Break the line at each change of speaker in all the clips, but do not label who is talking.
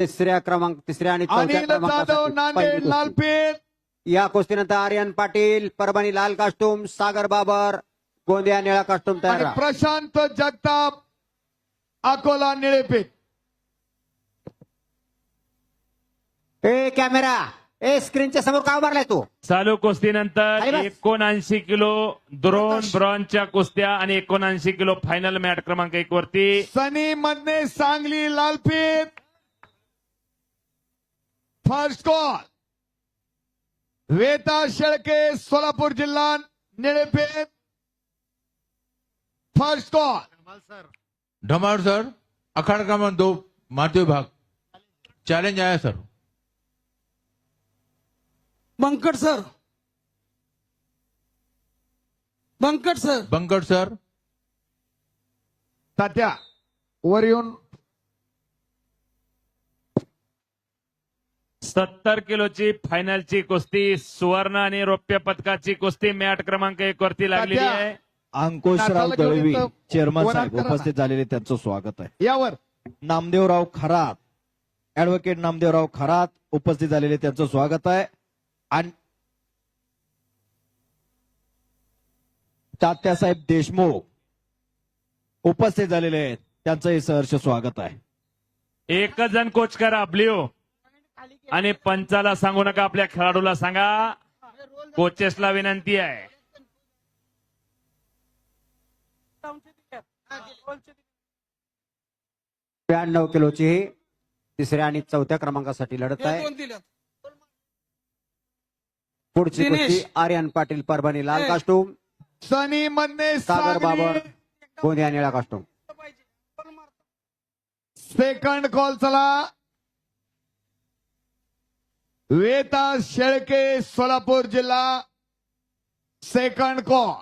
तिसऱ्या आणि चौथ्या
अनिल जाधव
क्रमांकासाठी
नांदेड
पहिली कुस्ती.
लालपेठ.
या कुस्तीनंतर आर्यन पाटील परभणी लाल कास्टूम, सागर बाबर गोंदिया निळा कास्टूम तयार
आणि
राहा.
प्रशांत जगताप अकोला निळेपेठ.
ए कॅमेरा ए स्क्रीनच्या समोर का उभारलाय तू?
चालू कुस्तीनंतर
अरे बस.
79 किलो दोन ब्रॉन्झच्या कुस्त्या आणि 79 किलो फायनल मॅट क्रमांक 1 वरती
सनी मधने सांगली लालपेठ. फर्स्ट कॉल वेता शेळके सोलापूर जिल्हा निळेपेठ. फर्स्ट कॉल
धमाल सर, अखाड़ा क्रमांक 2 माध्य विभाग चैलेंज आया sir.
Bankat sir, Bankat sir,
Bankat sir.
तात्या वर येऊन
70 किलोची फायनलची कुस्ती सुवर्ण आणि रौप्य पदकाची कुस्ती मॅट क्रमांक 1 वरती लागलेली
तात्या.
आहे.
अंकुशराव
नाताला घेऊन
दळवी
येतो.
चेअरमन
वरात
साहेब
करा ना.
उपस्थित झालेले त्यांचं स्वागत आहे.
यावर
नामदेवराव खरात, ऍडव्होकेट नामदेवराव खरात उपस्थित झालेले त्यांचं स्वागत आहे. आणि तात्यासाहेब देशमुख उपस्थित झालेले आहेत, त्यांचंही सहर्ष स्वागत आहे.
एकच जण कोच करा ब्ल्यू आणि पंचाला सांगू नका, आपल्या खेळाडूला सांगा. कोचेसला विनंती आहे.
92 किलोची तिसऱ्या आणि चौथ्या क्रमांकासाठी लढत आहे.
दोन दिल्यात.
पुढची
दिनेश.
कुस्ती आर्यन पाटील परभणी लाल
ए.
कास्टूम,
सनी मधने
सागर बाबर
सांगली.
गोंदिया निळा कास्टूम.
सेकंड कॉल चला. वेता शेळके सोलापूर जिल्हा. Second call.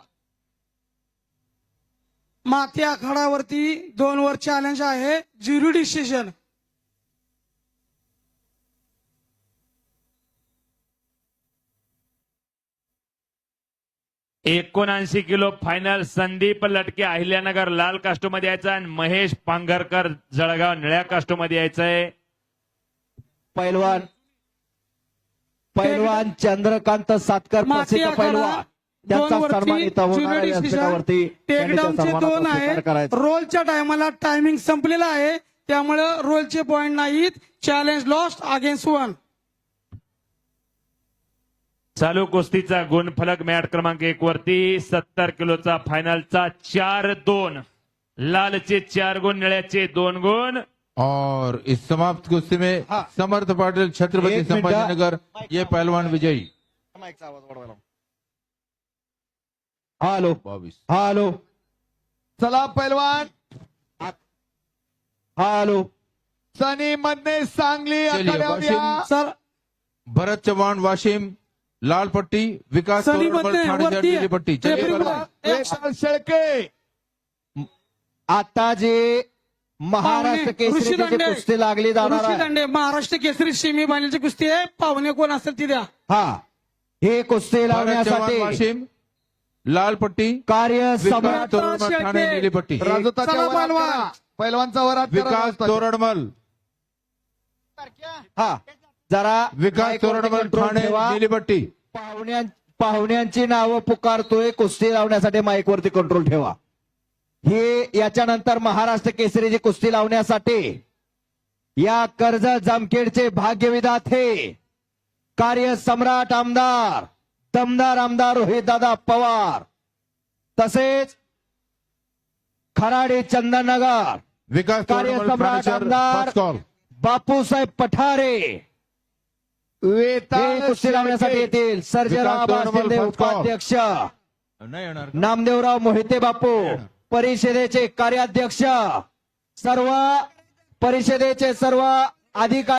माती आखाडावरती 2 वर चॅलेंज आहे, ज्युरी डिसिजन.
एकोणऐंशी किलो फायनल संदीप लटके अहिल्यानगर लाल कास्टो मध्ये यायचा आणि महेश पांघरकर जळगाव निळ्या कास्टो मध्ये यायचंय.
पैलवान पैलवान चंद्रकांत सातकर
माती
प्रसिद्ध
आखाडा
पैलवान, त्यांचा
2
सन्मान
वरती
इथं होणार
ज्युरी
आहे.
डिसिजन.
व्यासपीठावरती त्यांनी त्या
टेकडाऊनचे 2
सन्मानाचा स्वीकार
आहेत.
करायचा.
रोलच्या टायमाला टायमिंग संपलेला आहे, त्यामुळे रोलचे पॉइंट नाहीत. Challenge lost against 1.
चालू कुस्तीचा गुणफलक मॅट क्रमांक 1 वरती 70 किलोचा फायनलचा 4-2. लालचे 4 गुण, निळ्याचे 2 गुण.
और इस समाप्त कुश्ती में समर्थ पाटिल छत्रपति
एक मिनट.
संभाजीनगर ये पहलवान विजयी.
हॅलो
22.
हॅलो
चला पैलवान.
हॅलो
सनी मधने सांगली
चलिए,
आखाड्यावर या.
वाशिम.
सर
भरत चव्हाण वाशिम लाल पट्टी, विकास
सनी
तोरडमल
मधने
ठाणे शहर
वरती
नीली पट्टी. चलिए
रेफरी
पहलवान.
वेता शेळके.
आता जे महाराष्ट्र केसरी कुस्ती लागली जाणार
ऋषी
आहे,
दांडे महाराष्ट्र केसरी सेमी फायनलची कुस्ती आहे. पाहुणे कोण असेल ती द्या.
हा हे कुस्ती
भरत चव्हाण
लावण्यासाठी
वाशिम लाल पट्टी,
कार्य
विकास
सम्राट
तोरडमल ठाणे
शेळके.
नीली पट्टी.
राजूताच्या
चला
वरात
पैलवान.
करा. पैलवानचा वरात करा.
विकास
राजूताच्या.
तोरडमल,
हा जरा
विकास
माईकवरती
तोरडमल
कंट्रोल
ठाणे
ठेवा.
नीली पट्टी.
पाहुण्यांची नावं पुकारतोय, कुस्ती लावण्यासाठी माईकवरती कंट्रोल ठेवा. हे याच्यानंतर महाराष्ट्र केसरीची कुस्ती लावण्यासाठी या कर्जत जामखेडचे भाग्यविधाते कार्य सम्राट आमदार दमदार आमदार रोहितदादा पवार, तसेच खराडे चंदननगर
विकास
कार्य
तोरडमल
सम्राट
ठाणे शहर
आमदार
फर्स्ट कॉल.
बापूसाहेब पठारे
वेता
हे कुस्ती लावण्यासाठी
शेळके.
येतील. Sarjerao
Vikas Toradmal
Shinde
first call.
उपाध्यक्ष,
नाही येणार.
नामदेवराव मोहिते बापू परिषदेचे कार्याध्यक्ष, सर्व परिषदेचे सर्व अधिकारी.